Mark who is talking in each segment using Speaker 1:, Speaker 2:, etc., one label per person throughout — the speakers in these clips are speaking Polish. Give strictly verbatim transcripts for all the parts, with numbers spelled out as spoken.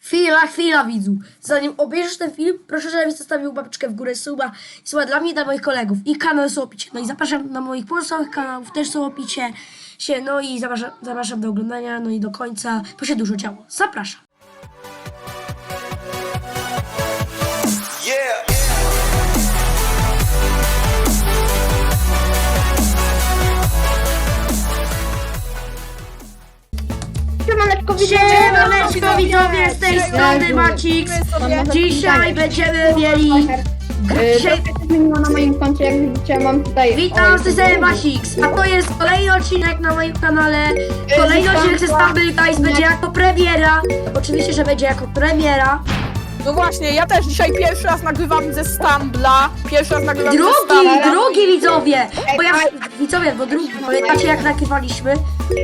Speaker 1: Chwila, chwila widzu. Zanim obejrzysz ten film, proszę, żebyś zostawił łapeczkę w górę, suba i suba dla mnie i dla moich kolegów. I kanał są opicie. No i zapraszam na moich pozostałych kanałów, też są opicie się. No i zapraszam, zapraszam do oglądania, no i do końca, bo się dużo działo. Zapraszam.
Speaker 2: Yeah.
Speaker 3: Siemaneczko, widzowie!
Speaker 1: Siemaneczko widzowie, z tej strony Macix. Dzisiaj będziemy mieli... Dzisiaj...
Speaker 3: Zmieniła na moim koncie, jak widzicie, mam tutaj...
Speaker 1: Witam, z tej strony Macix, a to jest kolejny odcinek na moim kanale. Kolejny odcinek ze Stumble Guys będzie jako premiera. Oczywiście, że będzie jako premiera.
Speaker 4: No właśnie, ja też dzisiaj pierwszy raz nagrywam ze Stumbla. Pierwszy raz nagrywam ze
Speaker 1: Drugi,
Speaker 4: Stumbla.
Speaker 1: drugi widzowie! Bo ja, widzowie, bo drugi, pamiętacie jak nagrywaliśmy?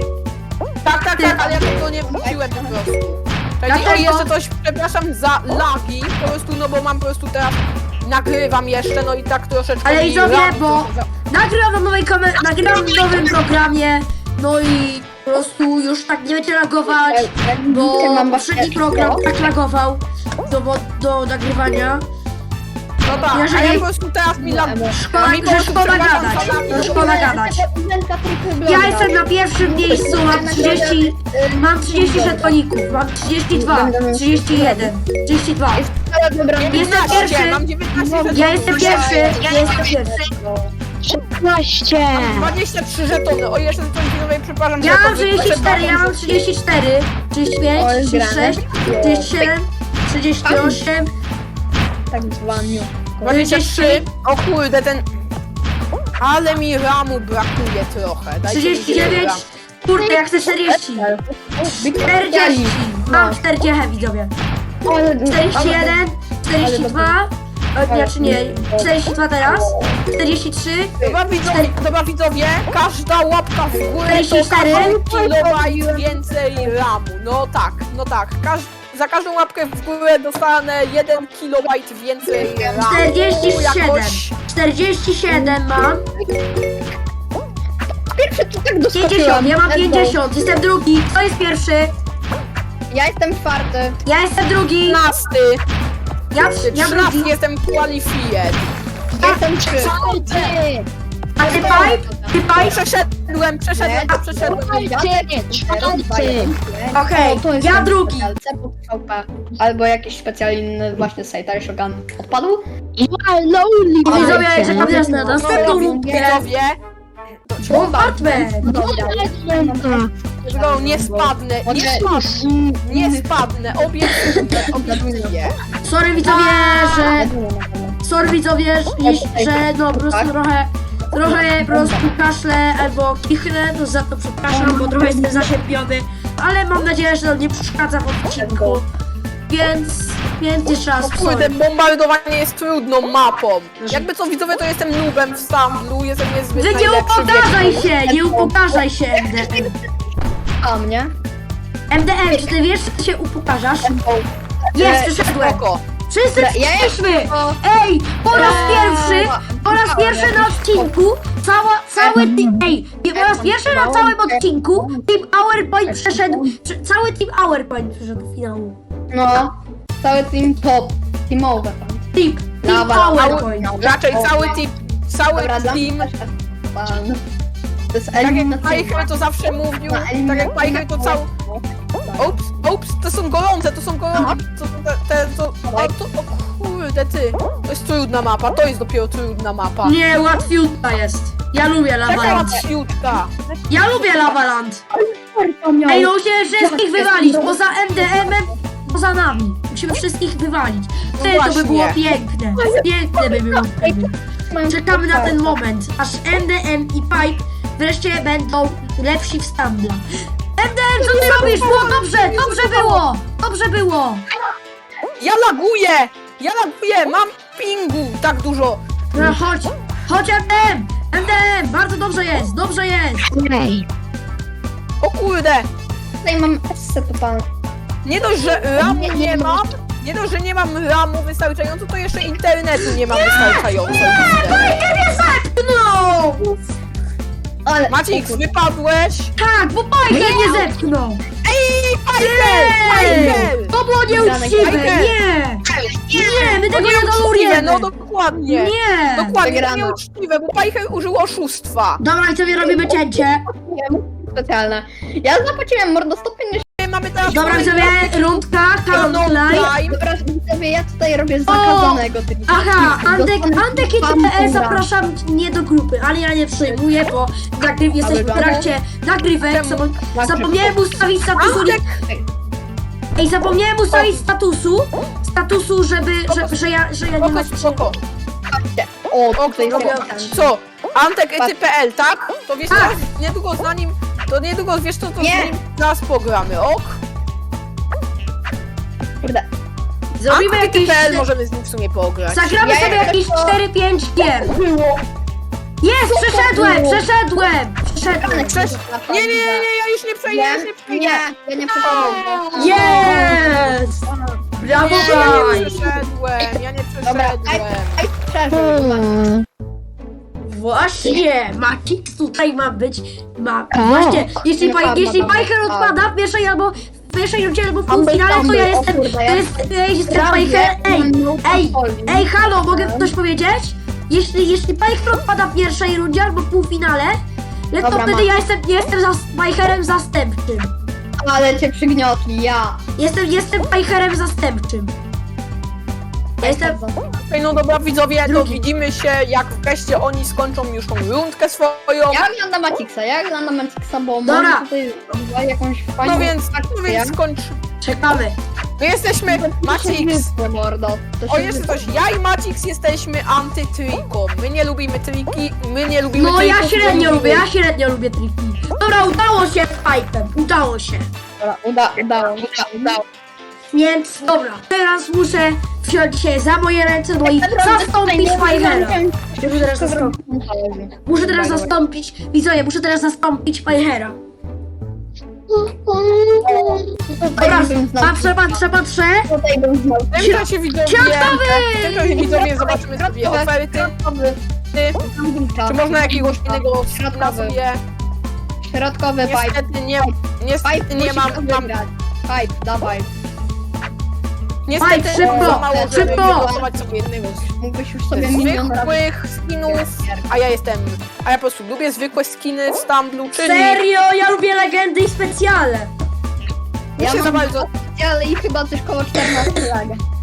Speaker 4: Tak, tak, tak, ale ja tego nie wróciłem po prostu. Czyli
Speaker 1: Dlatego-
Speaker 4: o jeszcze coś, przepraszam za lagi, po prostu, no bo mam po prostu teraz, nagrywam jeszcze, no i tak troszeczkę
Speaker 1: Ale
Speaker 4: mi
Speaker 1: widzowie,
Speaker 4: lag
Speaker 1: bo
Speaker 4: trochę za-
Speaker 1: nagrywam na nowej kamerze, nagrywam w nowym programie, no i po prostu już tak nie będzie lagować, bo poprzedni program tak lagował do, do nagrywania.
Speaker 4: No tak, a
Speaker 1: jeżeli-
Speaker 4: ja po prostu teraz mi lag...
Speaker 1: Szkoda,
Speaker 4: a mi po
Speaker 1: że
Speaker 4: prostu,
Speaker 1: szkoda
Speaker 4: przepraszam
Speaker 1: gadać,
Speaker 4: za lagi.
Speaker 1: że szkoda gadać. Ja jestem na pierwszym miejscu, mam trzydzieści, mam trzydzieści żetoników, mam trzydzieści dwa, trzydzieści jeden, trzydzieści dwa. Jestem
Speaker 4: dziewiętnaście,
Speaker 1: pierwszy,
Speaker 4: mam dziewiętnaście
Speaker 1: ja jestem pierwszy, ja jestem pierwszy.
Speaker 3: szesnaście!
Speaker 4: dwadzieścia trzy żetony, o jeszcze coś widzowie, przepraszam,
Speaker 1: Ja
Speaker 4: że
Speaker 1: mam
Speaker 4: to
Speaker 1: trzydzieści cztery, ja mam
Speaker 4: przepraszam,
Speaker 1: trzydzieści cztery, trzydzieści pięć,
Speaker 3: Oj,
Speaker 1: trzydzieści sześć, trzydzieści siedem, trzydzieści osiem,
Speaker 3: Tak zwaniu.
Speaker 4: dwadzieścia trzy, o kurde, ten... Ale mi ramu brakuje trochę. Dajcie mi
Speaker 1: trzydzieści dziewięć,
Speaker 4: ram.
Speaker 1: kurde ja chcę czterdzieści, czterdzieści, mam czterdzieści widzowie, czterdzieści jeden, czterdzieści dwa, o, nie, czy nie, czterdzieści dwa teraz, czterdzieści trzy,
Speaker 4: Dobra widzowie, dobra widzowie, każda łapka w górę to
Speaker 1: czterdzieści cztery.
Speaker 4: każdy kilobajt więcej ramu. No tak, no tak. Każ za każdą łapkę w górę dostanę jeden kilobajt więcej ramu.
Speaker 1: czterdzieści siedem,
Speaker 4: Jakoś...
Speaker 1: czterdzieści siedem mam,
Speaker 3: Pierwszy to tak
Speaker 1: pięćdziesiąt,
Speaker 3: doskoczyłam.
Speaker 1: ja mam pięćdziesiąt, jestem drugi, kto jest pierwszy?
Speaker 3: Ja jestem czwarty.
Speaker 1: Ja jestem drugi,
Speaker 4: trzynasty,
Speaker 1: ja, ja
Speaker 4: trzynasty
Speaker 1: drugi,
Speaker 4: jestem qualified.
Speaker 3: Ja jestem czwarty.
Speaker 1: a ty Pipe? Ty Pipe?
Speaker 4: Przeszedłem, przeszedłem, to przeszedłem.
Speaker 1: Okej,
Speaker 3: O, to jest
Speaker 1: ja
Speaker 3: ten
Speaker 1: drugi.
Speaker 3: specjal, C P V P. Albo jakiś specjalny właśnie Sejtar Shogun odpadł.
Speaker 1: I widzowie, czekam teraz na następną rundkę.
Speaker 4: Widzowie,
Speaker 1: Bombardment!
Speaker 4: no, nie spadnę, nie spadnę, nie spadnę, obiecuję, obiecuję.
Speaker 1: Sorry widzowie, że... Sorry widzowie, że, że no po prostu trochę... Trochę po prostu kaszlę albo kichnę, to za to przepraszam, bo trochę jestem zaszczepiony. Ale mam nadzieję, że to nie przeszkadza w odcinku. Więc... Więc jeszcze raz
Speaker 4: Kurde,
Speaker 1: sorry.
Speaker 4: bombardowanie jest trudną mapą. Jakby co widzowie, to jestem noobem w Stumblu, jestem niezbyt
Speaker 1: Wy nie
Speaker 4: najlepszy.
Speaker 1: upokarzaj się, nie upokarzaj się M D M.
Speaker 3: A mnie?
Speaker 1: M D M, czy ty wiesz, że się upokarzasz? Jest, przyszedłem.
Speaker 4: Spoko.
Speaker 1: Wszyscy
Speaker 3: Ja
Speaker 1: przyszliśmy!
Speaker 3: O.
Speaker 1: Ej, po raz pierwszy, po raz pierwszy na odcinku, cała, cały team, ej, po raz pierwszy na całym odcinku Team Hourpoint przeszedł, przy- cały Team Hourpoint przeszedł do finału.
Speaker 3: No. Cały team top. Teamowe.
Speaker 1: Team, Team
Speaker 3: Dobra,
Speaker 1: Hourpoint.
Speaker 4: Raczej cały team, cały
Speaker 3: Dobra,
Speaker 4: team,
Speaker 3: Pan. To jest
Speaker 4: tak jak
Speaker 3: eliminacyjna.
Speaker 4: Pajcher to zawsze mówił, tak jak Pajcher to cały... Ups, ups, to są gorące, to są gorące, to, te, te, to, o, to, o kurde ty, to jest trudna mapa, to jest dopiero trudna mapa.
Speaker 1: Nie, łatwiutka jest. Ja lubię
Speaker 4: Taka
Speaker 1: Lavaland.
Speaker 4: łatwiutka.
Speaker 1: Ja lubię Lavaland. Ej, no musimy wszystkich wywalić, poza M D M-em, poza nami. Musimy wszystkich wywalić. Wtedy to by
Speaker 4: właśnie.
Speaker 1: było piękne. Piękne by było wtedy. Czekamy na ten moment, aż M D M i Pipe wreszcie będą lepsi w Stumbla. M D M, co ty robisz? Było dobrze, dobrze było, dobrze było.
Speaker 4: Ja laguję, ja laguję, mam pingu tak dużo.
Speaker 1: No chodź, chodź M D M, M D M, bardzo dobrze jest, dobrze jest.
Speaker 4: O kurde,
Speaker 3: Tutaj mam S totalne.
Speaker 4: nie dość, że ramu nie mam, nie dość, że nie mam ramu wystarczająco, to jeszcze internetu nie mam wystarczająco.
Speaker 1: Piper mnie zepchnął.
Speaker 3: Ale...
Speaker 4: Macix, wypadłeś?
Speaker 1: Tak, bo Piper mnie zepchnął.
Speaker 4: Ej, Piper,
Speaker 1: Ej,
Speaker 4: Piper!
Speaker 1: to było nieuczciwe,
Speaker 3: Wygrana.
Speaker 1: nie! Nie, my tego nie
Speaker 4: Nieuczciwe,
Speaker 1: tolerujemy!
Speaker 4: no dokładnie.
Speaker 1: Nie!
Speaker 4: Dokładnie,
Speaker 3: Wygrana.
Speaker 4: nieuczciwe, bo Pajcher użył oszustwa.
Speaker 1: Dobra, i sobie robimy cięcie.
Speaker 3: Specjalne. Ja zapłaciłem mordo sto pięćdziesiąt.
Speaker 4: Mamy teraz...
Speaker 1: Dobra, sobie rundka,
Speaker 4: No,
Speaker 1: countline.
Speaker 4: time.
Speaker 3: Dobra, widzowie, ja tutaj robię zakazanego trika.
Speaker 1: Aha, Antek, Antek i
Speaker 3: Spam
Speaker 1: T P L
Speaker 3: program.
Speaker 1: zapraszam nie do grupy, ale ja nie przyjmuję, bo nagryw, jesteśmy w
Speaker 3: wygląda?
Speaker 1: trakcie nagrywek.
Speaker 4: Czemu?
Speaker 1: Zapo- zapomniałem ustawić statusu.
Speaker 4: Antek,
Speaker 1: Ej, zapomniałem ustawić statusu. Statusu, żeby, że, że ja, że ja nie
Speaker 4: spoko,
Speaker 1: ma.
Speaker 4: spoko.
Speaker 3: O,
Speaker 4: O,
Speaker 3: tutaj
Speaker 4: co?
Speaker 3: jest
Speaker 4: Co? Antek E T P L, tak? To wiesz,
Speaker 1: Tak.
Speaker 4: teraz niedługo za nim, to niedługo wiesz co, to
Speaker 3: Nie.
Speaker 4: z nim zaraz pogramy, ok?
Speaker 3: Kurde.
Speaker 1: Zrobimy
Speaker 4: Antek
Speaker 1: jakieś.
Speaker 4: E T P L możemy z nim w sumie pograć.
Speaker 1: Zagramy
Speaker 3: Ja
Speaker 1: sobie
Speaker 3: jak
Speaker 1: jakieś
Speaker 3: to-
Speaker 1: cztery pięć gier. Jest, przeszedłem, przeszedłem, przeszedłem.
Speaker 4: Przecież... Nie, nie, nie, nie, ja już nie przejdę, ja już nie przejdę.
Speaker 3: Nie, ja nie przeszedłem.
Speaker 1: Jest! Brawo,
Speaker 4: Nie, ja nie
Speaker 1: Brian!
Speaker 4: przeszedłem, ja nie
Speaker 3: Dobra, aj,
Speaker 4: przeszedłem.
Speaker 3: aj, przeżył.
Speaker 1: Właśnie, Matix tutaj ma być. Ma. Właśnie, jeśli,
Speaker 3: Nie
Speaker 1: pa,
Speaker 3: pada,
Speaker 1: jeśli
Speaker 3: pada,
Speaker 1: Pajcher
Speaker 3: pada.
Speaker 1: odpada w pierwszej albo w pierwszej rundzie albo w
Speaker 3: Tumble,
Speaker 1: półfinale, to ja
Speaker 3: tumble, o
Speaker 1: jestem.
Speaker 3: kurde,
Speaker 1: To
Speaker 3: ja-
Speaker 1: jest. Ja jestem
Speaker 3: Prawie
Speaker 1: Pajcher. Ej,
Speaker 3: mam
Speaker 1: ej,
Speaker 3: kontroli.
Speaker 1: ej, halo, mogę coś powiedzieć? Jeśli, jeśli Pajcher odpada w pierwszej rundzie albo w półfinale, no to
Speaker 3: Dobra,
Speaker 1: wtedy
Speaker 3: mam.
Speaker 1: ja jestem, jestem za Pajcherem zastępczym.
Speaker 3: Ale cię przygniotli, ja.
Speaker 1: Jestem, jestem Pajcherem zastępczym. Ja jestem.
Speaker 4: Okej, no dobra widzowie, to
Speaker 1: Drugi.
Speaker 4: widzimy się jak wreszcie oni skończą już tą rundkę swoją.
Speaker 3: Ja oglądam Matixa, ja oglądam Matixa, bo
Speaker 1: Dobra.
Speaker 3: może tutaj zrobić jakąś fajną
Speaker 4: No więc,
Speaker 3: akcję.
Speaker 4: no więc skończ.
Speaker 1: Czekamy.
Speaker 4: My jesteśmy Macix.
Speaker 3: Wyspę, mordo. To się
Speaker 4: O, jeszcze
Speaker 3: wyspę.
Speaker 4: coś, ja i Macix jesteśmy antytriką. My nie lubimy triki, my nie lubimy
Speaker 1: No ja
Speaker 4: trików,
Speaker 1: średnio
Speaker 4: my
Speaker 1: lubię, ja średnio lubię triki. Dobra, udało się z Pajpem, udało się.
Speaker 3: Dobra, uda, udało, uda, udało.
Speaker 1: Więc dobra, teraz muszę wziąć się za moje ręce, no i zastąpić Pajchera. Muszę teraz zastąpić. Muszę teraz zastąpić, widzowie, muszę teraz zastąpić Pajchera. Dobra, patrzę, patrzę, patrzę.
Speaker 3: Tutaj bym znał.
Speaker 4: W tym czasie widzowie,
Speaker 1: Środkowy!
Speaker 4: w tym czasie widzowie zobaczymy sobie oferty. Ty, czy można jakiegoś innego skina
Speaker 3: Środkowy.
Speaker 4: sobie?
Speaker 3: Środkowy pipe.
Speaker 4: Niestety nie, niestety
Speaker 3: Pipe
Speaker 4: nie mam,
Speaker 3: musisz
Speaker 4: mam
Speaker 3: wygrać. Pipe, dawaj.
Speaker 4: niestety
Speaker 1: Pipe, szybko,
Speaker 4: za mało, żeby
Speaker 1: szybko.
Speaker 4: wylosować sobie jednego z
Speaker 3: Mógłbyś już sobie milion razy...
Speaker 4: zwykłych skinów, a ja jestem, a ja po prostu lubię zwykłe skiny w Stumblu, czyli
Speaker 1: Serio, ja lubię legendy i specjale.
Speaker 4: mi
Speaker 3: Ja
Speaker 4: się za
Speaker 3: mam
Speaker 4: bardzo...
Speaker 3: ale i chyba coś koło czternastu lag.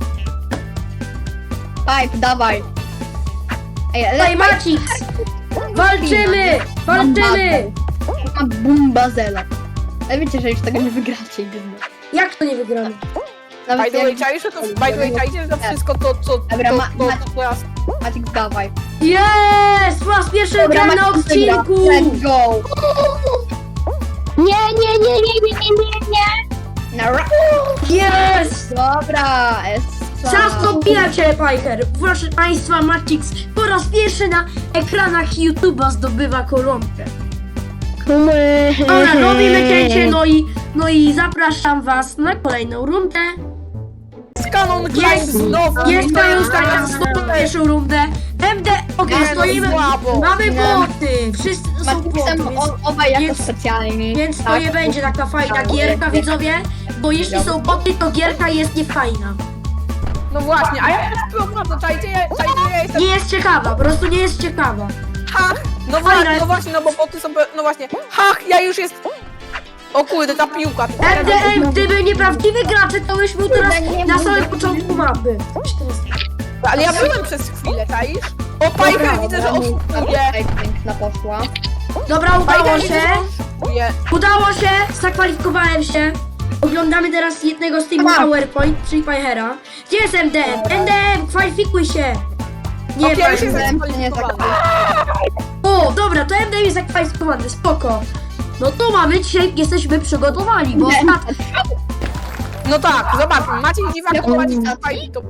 Speaker 3: Pipe, dawaj. Ej, ale
Speaker 1: Daj Macix, walczymy, walczymy.
Speaker 3: ma bumbazela. Ale wiecie, że już tego nie wygracie. gdyby.
Speaker 1: Jak to nie wygramy?
Speaker 3: Nawet
Speaker 4: By the way,
Speaker 3: jak...
Speaker 4: czaisz, że to, by the way, czaisz, że to wszystko to, co,
Speaker 3: Dobra,
Speaker 4: to,
Speaker 3: ma-
Speaker 4: to,
Speaker 3: ma-
Speaker 4: to teraz...
Speaker 3: Matik, dawaj.
Speaker 1: Jest! Po raz pierwszy gram na
Speaker 3: Matik wygra.
Speaker 1: odcinku!
Speaker 3: Let's go.
Speaker 2: Nie, nie, nie, nie, nie, nie, nie, nie.
Speaker 3: Na ra-
Speaker 1: Jest!
Speaker 3: Dobra, essa.
Speaker 1: Zastąpiłem cię, Pajcher! Proszę Państwa, Matix po raz pierwszy na ekranach YouTube'a zdobywa koronkę. Dobra, robimy cięcie, no i, no i zapraszam Was na kolejną rundę.
Speaker 4: Z Canon Climb
Speaker 1: Jest,
Speaker 4: znowu!
Speaker 1: jest
Speaker 4: witają
Speaker 1: moją
Speaker 4: ustawiam
Speaker 1: znowu pierwszą rundę. M D, okej,
Speaker 4: Nie, no
Speaker 1: stoimy,
Speaker 4: słabo.
Speaker 1: mamy
Speaker 3: Nie.
Speaker 1: boty, wszyscy są
Speaker 3: Matixem
Speaker 1: boty, więc,
Speaker 3: o- obaj jako
Speaker 1: więc-
Speaker 3: specjalni.
Speaker 1: więc to
Speaker 3: Tak.
Speaker 1: nie będzie taka fajna
Speaker 3: Tak,
Speaker 1: gierka,
Speaker 3: nie.
Speaker 1: widzowie, bo jeśli są boty, to gierka jest niefajna.
Speaker 4: No właśnie, a ja już problem, to czajcie, ja, czajcie, ja jestem...
Speaker 1: Nie jest ciekawa, po prostu nie jest ciekawa.
Speaker 4: Hach! No
Speaker 1: Fajna
Speaker 4: właśnie,
Speaker 1: jest.
Speaker 4: no właśnie, no bo boty są... No właśnie, hach, ja już jest... O kurde, ta piłka.
Speaker 1: M D M, gdyby nieprawdziwy gracze, to byś był teraz
Speaker 3: Kurde, nie
Speaker 1: na
Speaker 3: mów.
Speaker 1: samym początku mapy.
Speaker 4: Ale ja byłem przez chwilę, czaisz? O, Pajker, widzę, że oszukuje.
Speaker 3: Piękna poszła.
Speaker 1: Dobra, udało
Speaker 4: Pajker, widzę,
Speaker 1: się,
Speaker 4: że oszukuje.
Speaker 1: udało się, zakwalifikowałem się. Oglądamy teraz jednego z teamu
Speaker 3: Aha.
Speaker 1: PowerPoint, czyli Pajchera. Gdzie jest M D M? M D M, kwalifikuj się! Nie,
Speaker 4: Okej, już
Speaker 1: Pajcher.
Speaker 4: jest
Speaker 3: Wiem, że nie
Speaker 4: zakwalifikowany.
Speaker 1: O, dobra, to M D M jest zakwalifikowany, spoko. No to mamy, dzisiaj jesteśmy przygotowani, bo
Speaker 3: Nie.
Speaker 1: ostatnio...
Speaker 4: No tak, zobaczmy, Maciej Dziwak, Maciej Dziwak, to...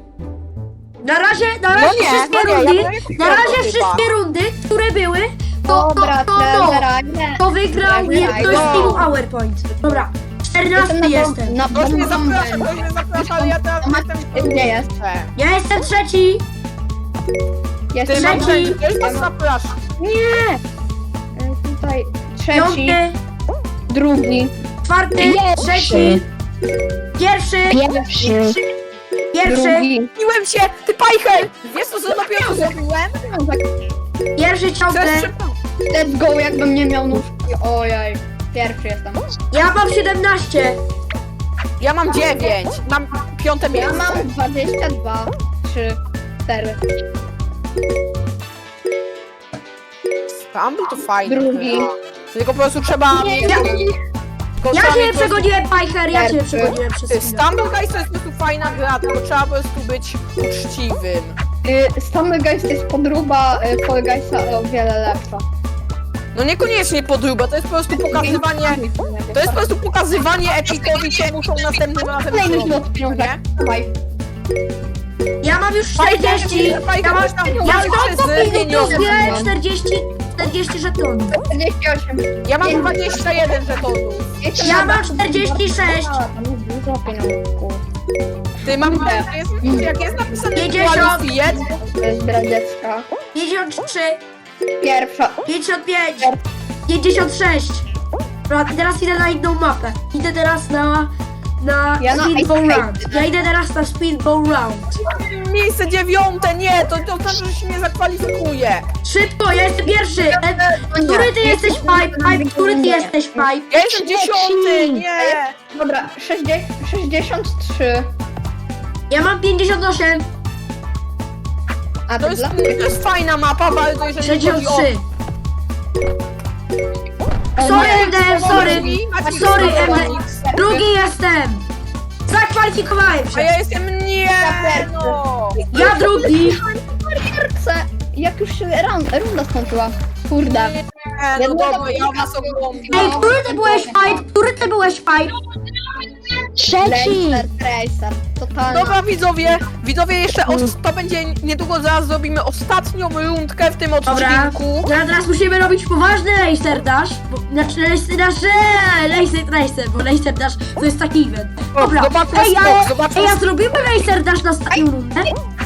Speaker 1: Na razie, na razie
Speaker 4: No nie,
Speaker 1: wszystkie
Speaker 4: no nie,
Speaker 1: rundy,
Speaker 4: ja bym
Speaker 1: na razie
Speaker 4: chyba.
Speaker 1: wszystkie rundy, które były, to, to,
Speaker 3: Dobra,
Speaker 1: to, to,
Speaker 3: trenera, nie.
Speaker 1: to wygrał
Speaker 3: Dobra,
Speaker 1: nie, ktoś z
Speaker 4: no.
Speaker 1: teamu PowerPoint. Dobra, czternasty jestem.
Speaker 3: Na
Speaker 4: Ktoś mnie
Speaker 3: bombę.
Speaker 4: zaprasza, ktoś mnie zaprasza, ale ja teraz jestem...
Speaker 3: Nie jest.
Speaker 1: Ja jestem trzeci.
Speaker 3: Jest
Speaker 4: Ty, mam
Speaker 1: Trzeci.
Speaker 4: ktoś mnie zaprasza.
Speaker 3: Nie! E, Tutaj trzeci,
Speaker 1: Piąty,
Speaker 3: drugi.
Speaker 1: czwarty,
Speaker 2: Jest.
Speaker 1: trzeci, Pierwszy,
Speaker 2: Pierwszy.
Speaker 1: pierwszy,
Speaker 3: Drugi.
Speaker 4: Miłem się! Ty Pajcher! Wiesz co, co dopiero zrobiłem?
Speaker 1: pierwszy ciągle.
Speaker 4: Chcesz szybko?
Speaker 3: Let's go, jakbym nie miał nóżki. Ojej. Pierwszy jestem.
Speaker 1: Ja mam siedemnaście.
Speaker 4: Ja mam dziewięć. Mam piąte
Speaker 3: Ja
Speaker 4: miejsce.
Speaker 3: mam dwadzieścia dwa, trzy, cztery.
Speaker 4: Stumble to fajny.
Speaker 3: Drugi.
Speaker 4: Tylko po prostu trzeba...
Speaker 3: Nie,
Speaker 1: Ja,
Speaker 4: tylko
Speaker 1: ja
Speaker 4: trzeba
Speaker 1: cię
Speaker 4: mieć po prostu-
Speaker 1: przegoniłem, Pajcher, ja cię
Speaker 3: Pierwszy.
Speaker 1: przegoniłem przez chwilę.
Speaker 4: Stumble Guys to jest po prostu fajna gra, tylko trzeba po prostu być uczciwym.
Speaker 3: Y, Stumble Guys to jest podróba y, Fall Guysa o wiele lepsza.
Speaker 4: No niekoniecznie podróba, to jest po prostu pokazywanie... To jest po prostu pokazywanie epikowi, co muszą następnym razem
Speaker 3: Kolejny
Speaker 4: zrobić.
Speaker 3: złot pieniążek. Dawaj.
Speaker 1: Ja mam już
Speaker 4: Pajcher,
Speaker 1: czterdzieści.
Speaker 4: Pajcher,
Speaker 1: Ja mam,
Speaker 4: weź tam
Speaker 1: ja
Speaker 4: walczy
Speaker 1: mam
Speaker 4: z pieniądzem.
Speaker 1: czterdzieści, czterdzieści żetonów.
Speaker 3: czterdzieści osiem.
Speaker 4: Ja mam dwadzieścia jeden żetonów.
Speaker 1: Ja mam czterdzieści sześć.
Speaker 3: A, tam jest dużo pieniążków.
Speaker 4: Ty mam... Jest, jak jest napisane
Speaker 1: pięćdziesiąt.
Speaker 4: qualified,
Speaker 3: To jest gra dziecka.
Speaker 1: pięćdziesiąt trzy,
Speaker 3: Pierwsza.
Speaker 1: pięćdziesiąt pięć, pięćdziesiąt sześć. Dobra, i teraz idę na inną mapę. Idę teraz na... Na
Speaker 3: Ja na
Speaker 1: Speedball
Speaker 3: Ice
Speaker 1: Round. Ja idę teraz na Speedball Round.
Speaker 4: miejsce dziewiąte, nie, to, to znaczy, że się nie zakwalifikuje.
Speaker 1: Szybko, ja jestem pierwszy. E, Który ty jesteś, Pipe? Pipe, który ty jesteś, Pipe?
Speaker 4: Ja jestem dziesiąty, nie.
Speaker 3: Dobra, sześćdziesiąt, sześćdziesiąt trzy.
Speaker 1: Ja mam pięćdziesiąt osiem,
Speaker 3: A
Speaker 4: To
Speaker 3: to
Speaker 4: jest,
Speaker 3: dla...
Speaker 4: to jest fajna mapa, bardzo jeżeli
Speaker 1: sześćdziesiąt
Speaker 4: chodzi o...
Speaker 1: trzy.
Speaker 3: O
Speaker 1: Sorry,
Speaker 3: nie.
Speaker 1: M D M, sorry.
Speaker 4: Maciej,
Speaker 1: Sorry,
Speaker 4: Maciej,
Speaker 1: M D
Speaker 4: Maciej.
Speaker 1: M. Drugi jestem. Zakwalifikowałem
Speaker 4: A
Speaker 1: się.
Speaker 4: ja jestem nie, no.
Speaker 1: Ja drugi.
Speaker 3: Serce. Jak już się run, runda skończyła. Kurde.
Speaker 4: Nie, no dobra, ja was oglądam.
Speaker 1: Ej, który ty byłeś, Pipe? Który ty byłeś, Pipe?
Speaker 2: Trzeci.
Speaker 3: Racer, Tracer. Totalna.
Speaker 4: Dobra widzowie, widzowie jeszcze os- to będzie niedługo, zaraz zrobimy ostatnią rundkę w tym
Speaker 1: Dobra.
Speaker 4: odcinku.
Speaker 1: No, a teraz musimy robić poważny Laser Dash. Bo, znaczy Laser Dash, eee, Laser Tracer, bo Laser Dash to jest taki event. Dobra,
Speaker 4: Zobaczmy
Speaker 1: ej,
Speaker 4: skok,
Speaker 1: ale,
Speaker 4: zobaczmy
Speaker 1: ej, a
Speaker 4: skok.
Speaker 1: zrobimy Laser Dash na ostatnią rundę?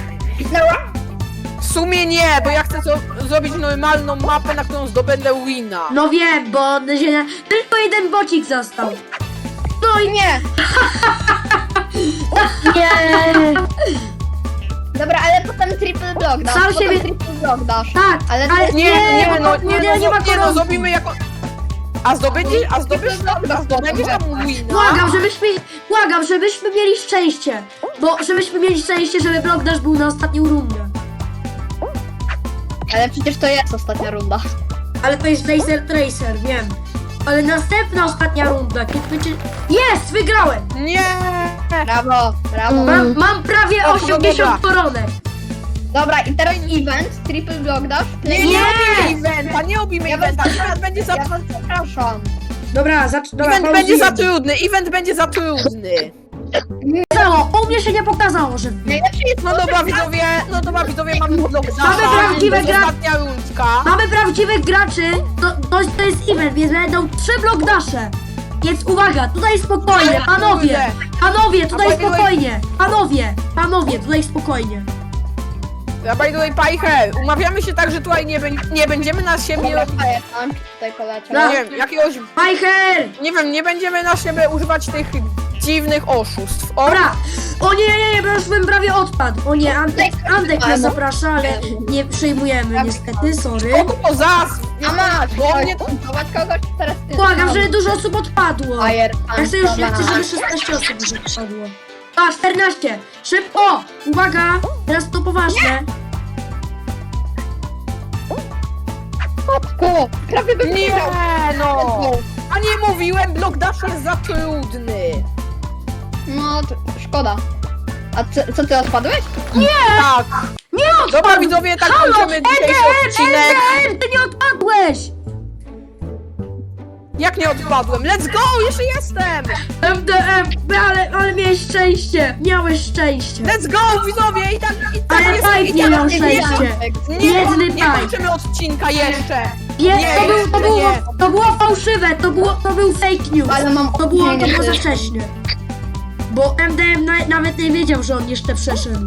Speaker 4: W sumie nie, bo ja chcę zo- zrobić normalną mapę, na którą zdobędę wina.
Speaker 1: No wiem, bo się, tylko jeden bocik został. No i
Speaker 3: Nie.
Speaker 2: Nie.
Speaker 3: Dobra, ale potem triple block dasz.
Speaker 1: Sam
Speaker 3: Potem
Speaker 1: siebie-
Speaker 3: triple block dasz.
Speaker 1: tak,
Speaker 3: Ale
Speaker 1: ale,
Speaker 3: to-
Speaker 4: Nie, nie,
Speaker 1: bo
Speaker 4: no,
Speaker 1: to-
Speaker 4: nie,
Speaker 1: nie, nie ma
Speaker 4: no, nie, no,
Speaker 1: koronki.
Speaker 4: zrobimy jako... A zdobędziesz, a zdobędziesz, a zdobędziesz tam wina?
Speaker 1: Błagam, żebyśmy, błagam, żebyśmy mieli szczęście. Bo żebyśmy mieli szczęście, żeby Block Dash był na ostatnią rundę.
Speaker 3: Ale przecież to jest ostatnia runda.
Speaker 1: Ale to jest Laser Tracer, wiem. Ale następna ostatnia runda, kiedy będzie... Jest! Wygrałem!
Speaker 4: Nie!
Speaker 3: Brawo, brawo.
Speaker 1: Mam, mam prawie
Speaker 4: O,
Speaker 1: osiemdziesiąt koronek.
Speaker 3: Dobra, i teraz event, triple block dasz?
Speaker 4: Nie, nie,
Speaker 1: Nie!
Speaker 4: robimy eventa, nie robimy
Speaker 3: Ja was,
Speaker 4: eventa, event będzie za...
Speaker 3: ja was przepraszam.
Speaker 1: Dobra, zacz, dobra,
Speaker 4: Event będzie za
Speaker 1: pauzujemy.
Speaker 4: trudny, event będzie za trudny.
Speaker 1: Pokazało, u mnie się nie pokazało, że...
Speaker 3: Najlepszy jest
Speaker 4: No dobra widzowie, no dobra widzowie, mamy blok
Speaker 1: Mamy prawdziwe gra-
Speaker 4: ostatnia rundka.
Speaker 1: Mamy prawdziwych graczy, to, to, to jest event, więc będą trzy Block Dashe. Więc uwaga, tutaj spokojnie, panowie, panowie, tutaj
Speaker 4: A by the way-
Speaker 1: spokojnie, panowie, panowie, tutaj spokojnie.
Speaker 4: Ja by the way, Pajcher, umawiamy się tak, że tutaj nie, bę- nie będziemy na siebie
Speaker 3: Dobra,
Speaker 4: robić,
Speaker 3: daję tam, tutaj poleciał.
Speaker 1: No.
Speaker 4: nie wiem, jakiegoś,
Speaker 1: Pajcher!
Speaker 4: nie wiem, nie będziemy na siebie używać tych dziwnych oszustw. O,
Speaker 1: Dobra! O nie, nie, nie, bo już bym prawie odpadł. O nie, Antek, Antek nas zaprasza, ale nie przyjmujemy niestety, sorry.
Speaker 4: kogo to zas?
Speaker 3: A masz,
Speaker 4: Bo mnie...
Speaker 3: kontować kogoś teraz ty.
Speaker 1: Błagam, żeby dużo osób odpadło.
Speaker 3: Fire,
Speaker 1: Ja chcę już, ja chcę, żeby szesnaście osób już odpadło. A, czternaście! Szybko! Uwaga! Teraz to poważne.
Speaker 3: Ku, prawie bym
Speaker 4: Nie,
Speaker 3: wygrał.
Speaker 4: no! A nie mówiłem, blok dash jest za trudny.
Speaker 3: No, to szkoda. A co, co ty odpadłeś?
Speaker 4: Tak.
Speaker 1: Nie
Speaker 4: Dobra
Speaker 1: odpadł!
Speaker 4: widzowie, tak
Speaker 1: Halo!
Speaker 4: kończymy dzisiejszy
Speaker 1: M D M,
Speaker 4: odcinek.
Speaker 1: M D M, ty nie odpadłeś!
Speaker 4: Jak nie odpadłem? Let's go, jeszcze jestem!
Speaker 1: M D M, ale, ale miałeś szczęście, miałeś szczęście.
Speaker 4: Let's go, widzowie! I tak, i tak
Speaker 1: Ale
Speaker 4: jest,
Speaker 1: Pipe
Speaker 4: i
Speaker 1: nie
Speaker 4: tak
Speaker 1: miał
Speaker 4: jest,
Speaker 1: szczęścia.
Speaker 4: Nie,
Speaker 1: Biedny
Speaker 4: nie
Speaker 1: Pipe.
Speaker 4: kończymy odcinka jeszcze.
Speaker 1: Nie,
Speaker 4: Nie,
Speaker 1: to, był, to,
Speaker 4: jeszcze
Speaker 1: było,
Speaker 4: nie.
Speaker 1: to było fałszywe, to, było, to był fake news.
Speaker 3: Ale mam
Speaker 1: To było, to
Speaker 3: opinię,
Speaker 1: było za
Speaker 3: że-
Speaker 1: wcześnie. Bo M D M na, nawet nie wiedział, że on jeszcze przeszedł.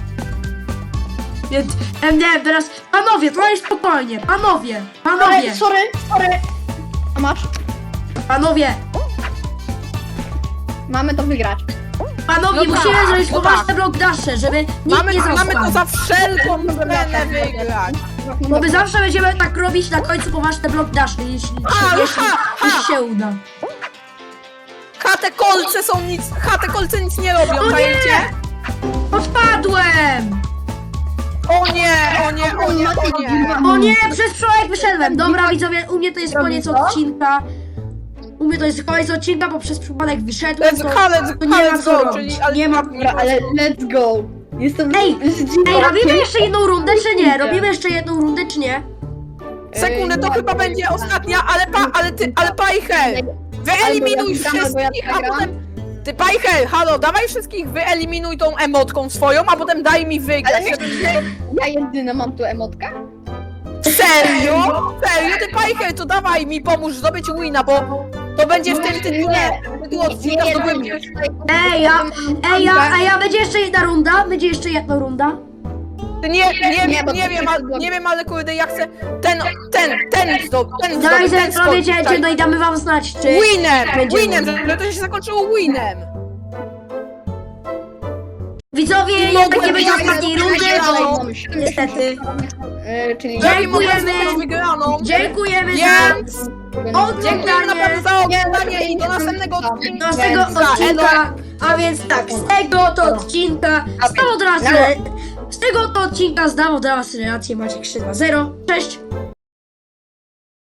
Speaker 1: Więc M D M teraz... Panowie, to jest spokojnie, panowie, panowie,
Speaker 3: Ale, sorry, sorry. A masz?
Speaker 1: panowie.
Speaker 3: Mamy to wygrać.
Speaker 1: Panowie,
Speaker 4: No
Speaker 1: musimy
Speaker 4: tak,
Speaker 1: zrobić
Speaker 4: no
Speaker 1: poważne
Speaker 4: tak.
Speaker 1: block dasze, żeby nikt
Speaker 4: Mamy,
Speaker 1: nie
Speaker 4: mamy
Speaker 1: zasłał.
Speaker 4: to za wszelką cenę wygrać.
Speaker 1: Bo my zawsze będziemy tak robić na końcu poważne block dasze, jeśli,
Speaker 4: A,
Speaker 1: jeśli,
Speaker 4: ha, ha.
Speaker 1: jeśli się uda.
Speaker 4: Ha, te kolce są nic, ha, te kolce nic nie robią,
Speaker 1: O nie!
Speaker 4: czajcie?
Speaker 1: Odpadłem!
Speaker 4: O nie, o nie, o nie, o nie.
Speaker 1: O nie, przez przypadek wyszedłem. Dobra, widzowie, u mnie to jest koniec odcinka. U mnie to jest koniec odcinka, bo przez przypadek wyszedłem,
Speaker 4: Let's
Speaker 1: to,
Speaker 4: go, let's
Speaker 1: to
Speaker 4: go,
Speaker 1: nie ma
Speaker 4: let's
Speaker 1: co
Speaker 4: go,
Speaker 1: robić.
Speaker 4: czyli- ale-
Speaker 1: Nie ma...
Speaker 3: Dobra, ale let's go. Jestem
Speaker 1: Ej,
Speaker 3: zdziwiony.
Speaker 1: Ej, robimy jeszcze jedną rundę, czy nie? Robimy jeszcze jedną rundę, czy nie?
Speaker 4: Sekundę, to
Speaker 3: Ej,
Speaker 4: chyba
Speaker 3: nie,
Speaker 4: będzie
Speaker 3: nie,
Speaker 4: ostatnia, ale pa, ale ty, ale Pajcher! Wyeliminuj
Speaker 3: Albo ja wygram, albo
Speaker 4: wszystkich,
Speaker 3: ja
Speaker 4: a
Speaker 3: przegram.
Speaker 4: potem... Ty Pajcher, halo, dawaj wszystkich, wyeliminuj tą emotką swoją, a potem daj mi wygrać.
Speaker 3: Ale myślisz, ja jedyna mam tu emotkę?
Speaker 4: Serio? Serio? Ty Pajcher, to dawaj mi pomóż zdobyć wina, bo to będzie w tym tytule, tytuł odcinka, to będzie...
Speaker 1: Ej, ja, ej, ja, ej, ja, będzie jeszcze jedna runda? Będzie jeszcze jedna runda?
Speaker 4: Nie, nie,
Speaker 3: Nie,
Speaker 4: nie,
Speaker 3: bo
Speaker 4: nie
Speaker 3: to
Speaker 4: wiem,
Speaker 3: jest
Speaker 4: ale, nie wiem, ale kurde, ja chcę ten, ten, ten zdobyć, ten
Speaker 1: Dawaj,
Speaker 4: zdobyć, ten
Speaker 1: zrobię
Speaker 4: skoczyć,
Speaker 1: cięcie, no i damy wam znać, czy...
Speaker 4: Winem,
Speaker 1: będzie
Speaker 4: winem,
Speaker 1: win.
Speaker 4: żeby to się zakończyło winem.
Speaker 1: Widzowie, jednak nie będzie ostatniej rundy, bo
Speaker 3: Mamy siedem
Speaker 1: niestety.
Speaker 3: E, czyli
Speaker 1: Dziękujemy.
Speaker 4: Dziękujemy. Wygraną.
Speaker 1: Dziękujemy za
Speaker 4: Więc dziękujemy naprawdę
Speaker 1: oglądanie
Speaker 4: za oglądanie i do następnego odcinka.
Speaker 1: z tego
Speaker 4: Za
Speaker 1: odcinka, a więc tak, z tego to odcinka, z tego to, z tego to odcinka zdam od was relację Maciek trzy dwa zero. Cześć!